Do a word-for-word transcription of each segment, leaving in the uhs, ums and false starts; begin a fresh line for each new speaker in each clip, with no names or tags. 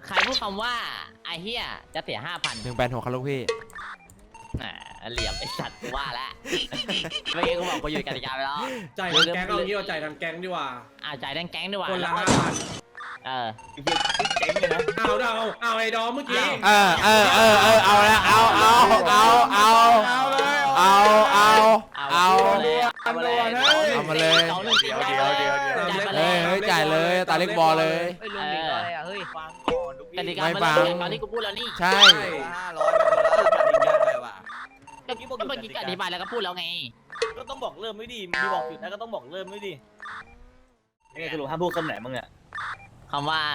ใครพูดคำว่าไอ้เฮียจะเสียห้าพัน
หนึ่งแปดหกครับลูกพี่
อ่าเหลี่ยมไอ้สัตว์ว่าแล้วเมื่อกี้กูบอกกูอยู่กติกาไปแล้ว
จ่ายทางแก๊งเอางี้ว่าจ่ายทางแก๊งดีกว่า
อ่าจ่ายแดงแก๊งด้วยว่ะ
คนละ
แล้ว
ห้า
ก็
พัน
เออ
เจ๋งเลยนะ
เอาเอาเอาไอ้ดอมเมื่อกี้
เออเออเออเออเอาละเอาเอาเอาเอาเอาเอาเอาเอา
เอามาเลย
เอามาเลย
สองหนึ่ง
เดี๋ยวเดี๋ยวเดี๋ยวเดี๋ยว
จ่ายมาเล
เฮ้ย
ย
เฮ้ยจ่ายเลยตาเล็กบอลเลย
เฮ้ยลุงหนิงอะไรอ่ะเฮ้ยฟังก่อนลูก
ก
พี่
ติกา
ไม่
มัน
ฟัง
เริ่มตอนที่กูพูดแล้วนี่
ใช่
ห้าร้อยเป็นคนละกติกาเลยว่ะ
ก็เมื่อกี้ก็อธิบายแล้วก็พูดแล้วไง
ก็ต้องบอกเริ่มไม่ดีมีบอกหยุดนะก็ต้องบอกเริ่มไม่ดียังไงสรุปห้ามพูดคำไหนมึงเนี่ย
คำว่า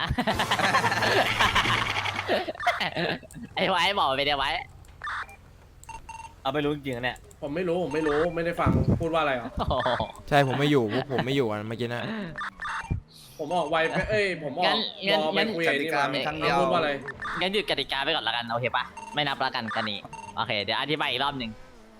ไอ้ไว้บอกไปเดี๋ยวไว้
เอาไปรู้จริงๆเนี่ย
ผมไม่รู้ผมไม่รู้ไม่ได้ฟังพูดว่าอะไรหรอ
โอ้โห
ใช่ผมไม่อยู่พวกผมไม่อยู่กันเมื่อกี้นะ
ผมออกไวไปเอ้ยผมออกรอไปคุยไอ้นี่มาพูดว่าอะไร
งั้นหยุดกติกาไปก่อนละกันโอเคปะไม่นับละกันกันนี้โอเคเดี๋ยวอธิบายอีกรอบหนึ่ง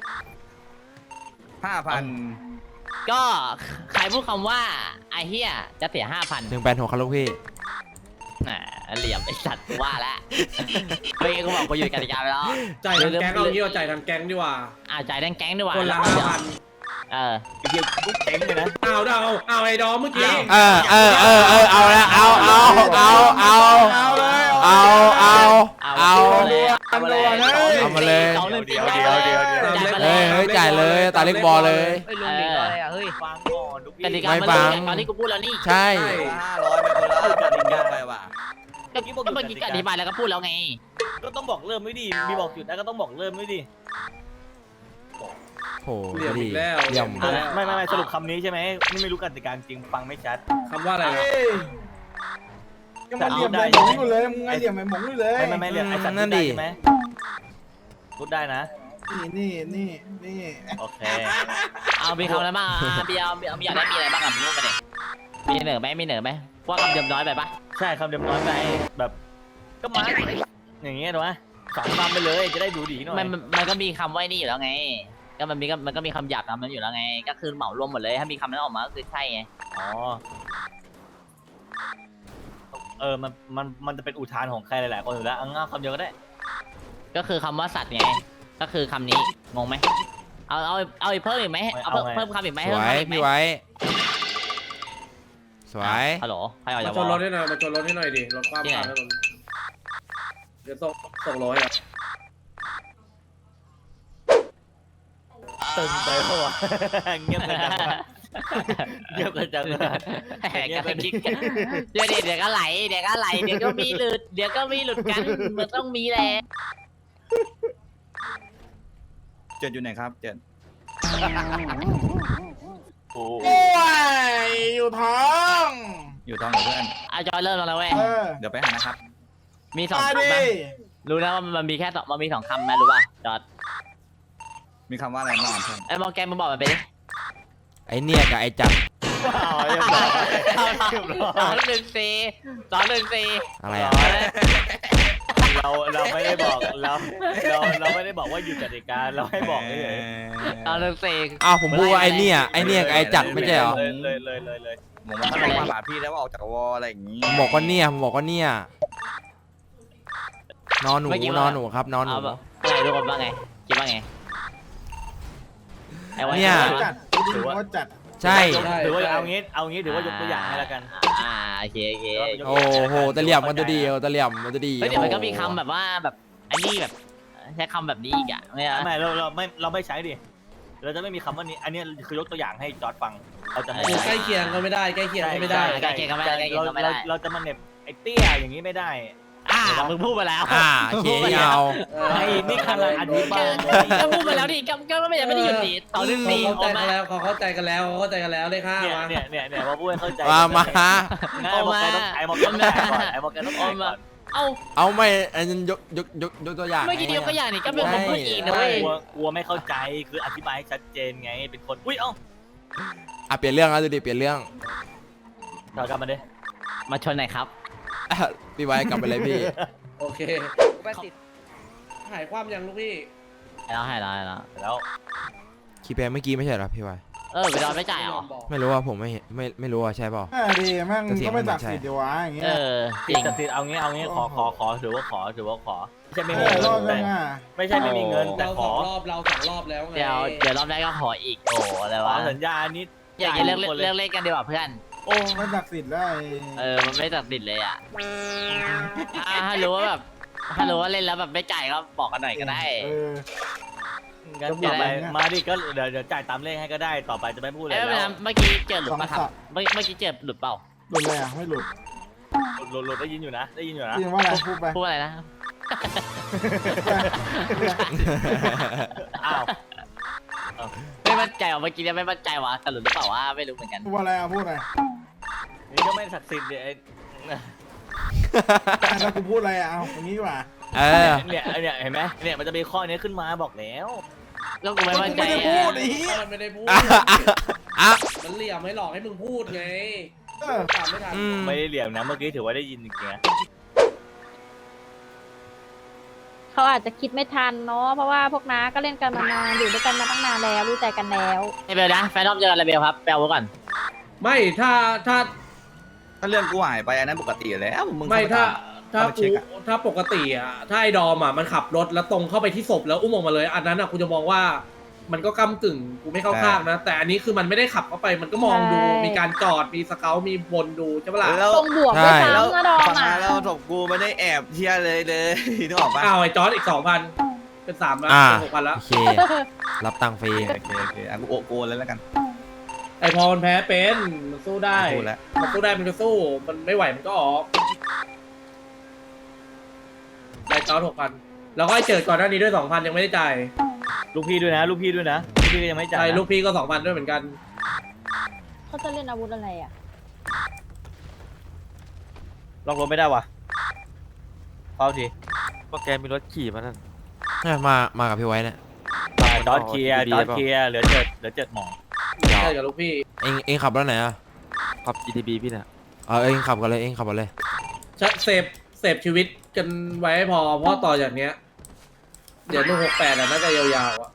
ห้าพัน
ก็ใครพูดคำว่าไอ้เฮียจะเสียห้าพัน
หนึ่งแปดหกครับลูกพี่
อ่าเหลี่ยมไอ้สัตว์ว่าแล้วเมื่อกี้กูบอกกูอยู่กติกาไปแล้ว
จ่ายทางแก๊งเอางี้ว่าจ่ายทางแก๊งดีกว่า
อ่าจ่ายแดงแก๊งด้วยว่ะ
คนละ
แล้วก็
ห้าพัน
เออ
เฮียกูเจ๋งเลยนะ
เอาเอาเอาไอ้ดอมเมื่อกี้
เออเออเออเออเอาละเอาเอาเอาเอาเอาเอาเอาเอา
เอามาเลย
เอามาเลย
สองหนึ่ง
เดี๋ยวเดี๋ยวเดี๋ยวเดี๋ยว
จ่ายมาเล
เฮ้ย
ย
เฮ้ยจ่ายเลยตาเล็กบอลเลย
เฮ้ยลุงหนิงอะไรอ่ะเฮ้ยฟังก่อนลูกพี่
กติกา
ไม่
มัน
ฟั
เริ่
ง
มจากตอนที่กูพูดแล้วนี่
ใช่
ห้าร้อยเป็นคนละกติกาเลยว่ะ
ก็ก็เมื่อกี้ก็อธิบายแล้วก็พูดแล้วไง
ก็ต้องบอกเริ่มไม่ดีมีบอกหยุดนะก็ต้องบอกเริ่มไม่ดี
โห
เหลี่ยม
ดี
อีกแล้ว
เยี่ยม
เหลี่ย
ไม่ไม่ไม่สรุปคำนี้ใช่ไหมนี่ไม่รู้กติกาจริงฟังไม่ชัด
คำว่าอะไรนะ
ยังมาเหลี่ยมไอ้หมงอยู่เลยมึงไงเหลี่ยมไอ้หมงอยู่เลย
ไม่ไม่ไม่เรียกไอ้สัตว์พูดได้ใช่ไหมพูดได้นะ
นี่นี่นี่นี่
โอเค
เอามีคำอะไรบ้างอ่ะมีเอามีเอามีอยากได้มีอะไรบ้างอ่ะมึงรู้มาเนี่ยมีเหนือไหมมีเหนือไหมว่าคำเดิมน้อยไปปะ
ใช่คำเดิมน้อยไปแบบก็มาอย่างเงี้ยถูกไหมสองคำไปเลยจะได้ดูดีหน่อย
มันมันมันก็มีคำไว้นี่อยู่แล้วไง ก็มันมีก็มันก็มีคำหยาบคำนั้นอยู่แล้วไง ก็คือเหมารวมหมดเลยถ้ามีคำนั้นออกมาก็คือใช่ไง
อ๋อเออมันมันมันจะเป็นอุทานของใครหลายๆคนอยู่แล้วเอาง่ายคำเดียวก็ได้
ก็คือคำว่าสัตว์ไงก็คือคำนี้งงไหมเอาเอาเอาอีกเพิ่มอีกไหมเอาเพิ่มเพิ่มคำอีกไหม
ส
เพิ่ม
วย
คำอีกไหม
พี่ไว้ สวย
ฮัลโหลใครออก
มา
จาก
ช
วอน
รถ
ล
ให้หน่อยมาชนรถให้หน่อยดิรถความผ่านถนนเดี๋ยวส่งส่งร้อยอ่ะ
ตึงไปเพราะว่าเงียบกันจังเงียบกันจัง
แหกกันคิกกันเดี๋ยวเดี๋ยวก็ไหลเดี๋ยวก็ไหลเดี๋ยวก็มีหลุดเดี๋ยวก็มีหลุดกันมันต้องมีแหละ
เจ็ดอยู่ไหนครับเจ็ด
โอ้
โอ้ยอยู่ท้อง
อยู่ท้องกับเพื่อน
อาจอยเริ่มแล้วนะเว้ย
เออ
เดี๋ยวไปหานะครับ
มีสอง
มา
คำ
ดิ
นะรู้แล้วว่ามันมีแค่สองมันมีสองคำไหมรู้ป่ะจอด
มีคำว่าอะไรบ้างเพื่อน
ไอ้มองแกมึงบอกมันไปดิ
ไอเนี่ยกับไอจับ
าวเรียบร้อยเรียบร้อ
สอย งหนึ่งสี่สองหนึ่งสี่
อะไรอ่ะ
เราเราไม่ได้บอกเราเราเราไม่ได้บอกว่าหยุดกติกาเราให้บอกเฉย
สองหนึ่งสี่
อ้าวผมพูดว่าไอเนี่ยไอเนี่ยกับไอจับไม่ใช่เหรอ
เลยเลยเลยเลยเลย
ผมว่าเขามาหาพี่แล้วว่าออกจากวออะไรอย่างงี้
ผมบอกว่าเนี่ยผมบอกว่าเนี่ยนอนหนูนอนหนูครับนอนหนู
เอาแบบอะไรทุกคนว่าไงคิดว่าไงไอ้วัน
เนี่ย
จัดถือว่าจัด
ใช่
ถือว่าเอางี้เอางี้ถือว่ายกตัวอย่างให้แล้วกัน
อ่าโอเคโอเค
โอ้โหตะเหลี่ยมมันจะดีเอาตะเหลี่ยมมันจะดี
เฮ้ยเดี๋ยวมันก็มีคำแบบว่าแบบอันนี้แบบใช้คำแบบนี้อีกอ่ะไม่ใช่
ไม่เราเราไม่เราไม่ใช้ดิเราจะไม่มีคำว่านี้อันนี้คือยกตัวอย่างให้จอร์ดฟังเราจะไม่
โอ้ใกล้เคียงก็ไม่ได้ใกล้เคียงก็ไม่ได้
ใกล้เคียงกันไม่ได้ใกล้เคียงกันไม่ได้
เราจะมาเน็บไอ้เตี้ยอย่างนี้ไม่ได้
อ่ามึงพูดมาแล้ว
อ่าโอเคเอา
ไอ้นี่กำลังอธิบาย
ก็พูดมาแล้วดิก็ก็ไม่ได้ไม่ได้หยุดดิสองหนึ่งสี่
เขา
ออก
เข้าใจ
มา
กันแล้วเขาเข้าใจกันแล้วเขาเข้าใจกันแล้วเลขห้า
เนี่ย
มา
เนี่ยเนี่ยเนี่ยมาพูดให้เข้าใจ
มามา
งั้นไอ้บอกแกต้องไอ้บอกแกต้องจ่ายก่อนไอ้บอกแกต้องจ่ายก่อน
เอ้า
เอาไม่อันนั้นยกยกยกยกตัวอย่าง
เมื่อกี้เดียวก็อย่างนี้ก็เป็นคนพูดอีกนะเว้ย
กลัวกลัวไม่เข้าใจคืออธิบายให้ชัดเจนไงเป็นคนอุ้ยเอ้า
อ่ะเปลี่ยนเรื่องแล้วดูดิเปลี่ยนเรื่อง
ถอยกลับมาดิ
มาชนหน่อยครับ
อ่ะพี่ไว้กลับไปเลยพี่
โอเคหายความยังลูกพี่
ให้แล้วให้แล้วให้แล้ว
แล้ว
คีย์แพดเมื่อกี้ไม่ใช่เหรอพี่ไว้
อ
เออไปดอนไม่จ่ายเหรอ
ไม่รู้ว่าผมไม่เห็นไม่ไม่รู้ว่าใช่เปล่า
อ่าดีแม่งก็ไม่ตัดสินดีวะอย่างเงี้ย
เออจ
ติ
ริ
ด
ง
จะติดเอางี้เอางี้ขอขอขอถือว่าขอถือว่าขอไม่ใช่ไม่
เอ
มี
อ
เงิ
รอบ
น
นึ
แต่
งอ่ะ
ไม่ใช่ไม่มีเงินแต่
เรา
ข
สอ
อง
รอบเราสองรอบแล้วไง
เดี๋ยวเดี๋ยวรอบแรกก็ขออีกโอ้อะไร
ขอ
วะ
สัญญานิด
อยากจะเลิกเลิกเล่นกันดีกว่าเพื่อน
โอ้ไม่ตัดสินได้
เออมันไม่ตัดสินเลยอ่ะอ่ะถ้ารู้ว่าแบบถ้ารู้ว่าเล่นแล้วแบบไม่จ่ายก็บอกกันหน่อยก็ได้
เออ
งั้น
จะบอก
ต่อไป
อะไรเนี่ย
มาดิก็เดี๋ยวเดี๋ยวจ่ายตามเลขให้ก็ได้ต่อไปจะไม่พูดอะไร
เอ้ย
แล้ว
เมื่อกี้เจอหลุดปะครับ
สองสัป
เมื่อเมื่อกี้เจอหลุดเปล่า
หลุดเลยอ่ะไม่หลุด
หลุดหลุดได้ยินอยู่นะได้ยินอยู่นะ
จริงว่าอะไรพูดไป
พูดอะไรนะ
อ้าว
ไม่มั่นใจว่ะเมื่อกี้เนี่ยไม่มั่นใจว่ะแต่หลุดหรือเปล่าวะไม่รู้เหมือนกัน
พูดอะไรอ่ะพูดอะไร
นี่ก็ไม่ศักดิ์สิทธิ์ดิไอ้
แล้วกูพูดอะไรอ่ะเอาอย่างนี้ดีกว่า
เออ
เนี่ยเนี่ยเห็นไหมเนี่ยมันจะมีข้อนี้ขึ้นมาบอกแล้ว
แล้วกูไม่มั่นใจ
ไม่ได้พูดไอ้
อะ
เหี้ย
มันไม่ได้พูด
อ่ะอ่ะอ่ะ
มันเหลี่ยมให้หลอกให้มึงพูดไง
เออ
ตามไม่ทัน
อืม
ไม่ได้เหลี่ยมนะเมื่อกี้ถือว่าได้ยินจริงๆนะ
เขาอาจจะคิดไม่ทันเนาะเพราะว่าพวกน้าก็เล่นกันมานานอยู่ด้วยกันมาตั้งนานแล้วรู้ใจกันแล้ว
ไอเบลนะแฟนรอบเจอกันอะไรเบลครับแปลไว้ก่อน
ไม่ถ้าถ้า
ถ้าเรื่องกูหายไปอันนั้นปกติอยู่แล้วมึง
ไม่ถ้าถ้า
เข้าไปเช็
กู
คอะ
ถ้าปกติอ่ะถ้าไอ้ดอมอ่ะมันขับรถแล้วตรงเข้าไปที่ศพแล้วอุ้มออกมาเลย อันนั้นอ่ะกูจะมองว่ามันก็ก้ำกึ่งกูไม่เข้าข้างนะ แต่อันนี้คือมันไม่ได้ขับเข้าไปมันก็มองดูมีการจอดมีสเกลมีวนดูใช่ปะล่ะ
แล้ว
ตรงบวกด้วย
ใช่
แล้ว
ซ้ำนะดอม
ฟัง
อ่ะ
นะแล้วศพกูไม่ได้แอบเที่ยเลยเลย นึกออกปะ
อ้าวไอ้จอร์ดอีกสองพันเป็นสามแล้ว
อ่า
เป็นหกพันแล้ว
โอเค รับตังค์ฟรี
โอเคโอเคอ่ะกูโอโกนเลยแล้วกัน
ไอ้พอมันแพ้เป็นมันสู้ได้
ไม่พูดแล้ว
มันสู้ได้มันก็สู้มันไม่ไหวมันก็ออกได้จอร์ดหกพันแล้วก็ไอ้เจิดก่อนหน้านี้ด้วยสองพันยังไม่ได้จ่าย
ลูกพี่ด้วยนะลูกพี่ด้วยนะลูกพี่ก็ยังไม่จ่าย
ใช่
นะ
ลูกพี่ก็สองพันด้วยเหมือนกัน
เขาจะเล่นอาวุธอะไรอ่ะ
ล็อกรถไม่ได้ว่ะเอาที
พวกแกมีรถขี่มานั่น
เนี่ยมา มากับพี่ไว้เนี่ย
จอดเคลียร์จอดเคลียร์เหลือเจ็ดเหลือเจ็ดหมอ
ใช่กับลูกพี่
เองเองขับรถไหนอ่ะ
ขับ จี ที บี พี่เนี่ย
เออเองขับกันเลย เองขับกันเลย
เซฟเซฟชีวิตกันไว้ให้พอเพราะต่อจากเนี้ย เดี๋ยวลูกหกแปดอ่ะน่าจะยาวๆอ่ะ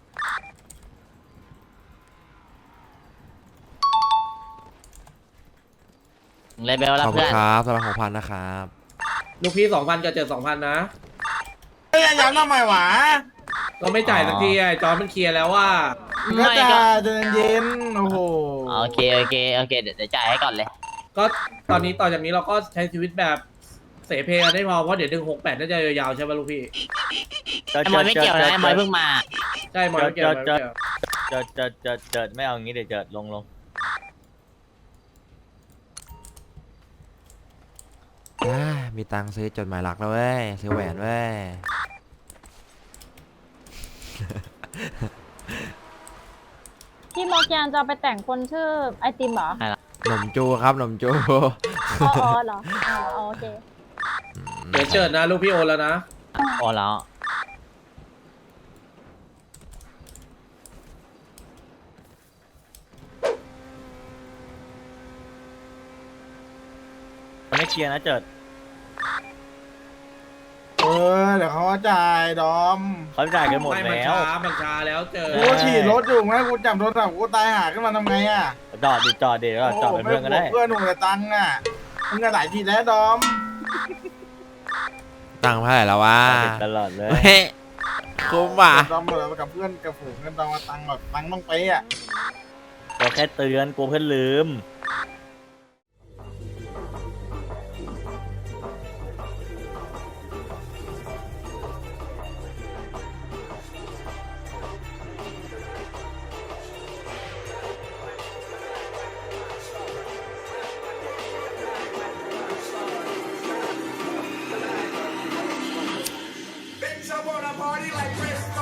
เลยเบล
ข
แล้ว
อบคุ
เพื่
ณ
อน
ครับสำหรับของพันนะครับ
ลูกพี่สองพันกับเจอสองพันนะ
เฮ้ยย้ำทำไมวะ
เราไม่จ่ายสักทีไอ้จอร์ดมันเคลียร์แล้วว่า
ก็
ไม่
จะ
ก็
เดินเย็นโอ้โห
โอเคโอเคโอเคเดี๋ยวเดี๋ยวจ่ายให้ก่อนเลย
ก็ตอนนี้ต่อจากนี้เราก็ใช้ชีวิตแบบเสเพกันได้พอเพราะเดี๋ยวดึงหกแปดน่าจะยาวๆใช่ป่ะลูกพี่
ไอ้มอยไม่เกี่ยวนะไอ้มอยเพิ่งมา
ใช่มอยไม่เกี่ยวมอยไม่เกี่ยว
เจิดเจิดเจิดเจิดไม่เอางี้เดี๋ยวเจิดลงลง
อ่ามีตังค์ซื้อจดหมายรักแล้วเว้ย ซื้อแหวนเว้ย
พี่มอร์แกนจะเอาไปแต่งคนชื่อไอติมเหรอ
หนมจูครับหนมจู
อ๋ออ๋อเหรออ๋ออ๋อโอเค
เดี๋ยวเจิดนะลูกพี่โอนแล้วนะ
โอ้แล้ว
ไม่เคลียร์นะเจิด
เออเดี๋ยวเขาก็จ่ายดอม
เขาจ่ายกันหมด
ไม่มัน
แล้ว
ช้ามันช้าแล้วเจอ
กูก็ขี่รถอยู่ไงกูจับโทรศัพท์กูตายหาขึ้นมาทำไงอ่ะ
จอดดิจอดดิแล้วจอดเป็นเพื่อนก็ได้
โโหไม่บวเพื่อนหนุ่มแต่ตังค์อ่ะมึงก็หลายทีแล้วดอม
ตังค์เท่าไหร่แล้ววะ
ติดตลอดเลย
เฮ้ยคุ้มว่ะ
ดอมเหมือนกับเพื่อนกับฝูงกันดอมมาตังค์แบบตังค์ต้องไปอ่ะ
เราแค่เตือนกลัวเพื่อนลืม
Bitch, I wanna party like Chris.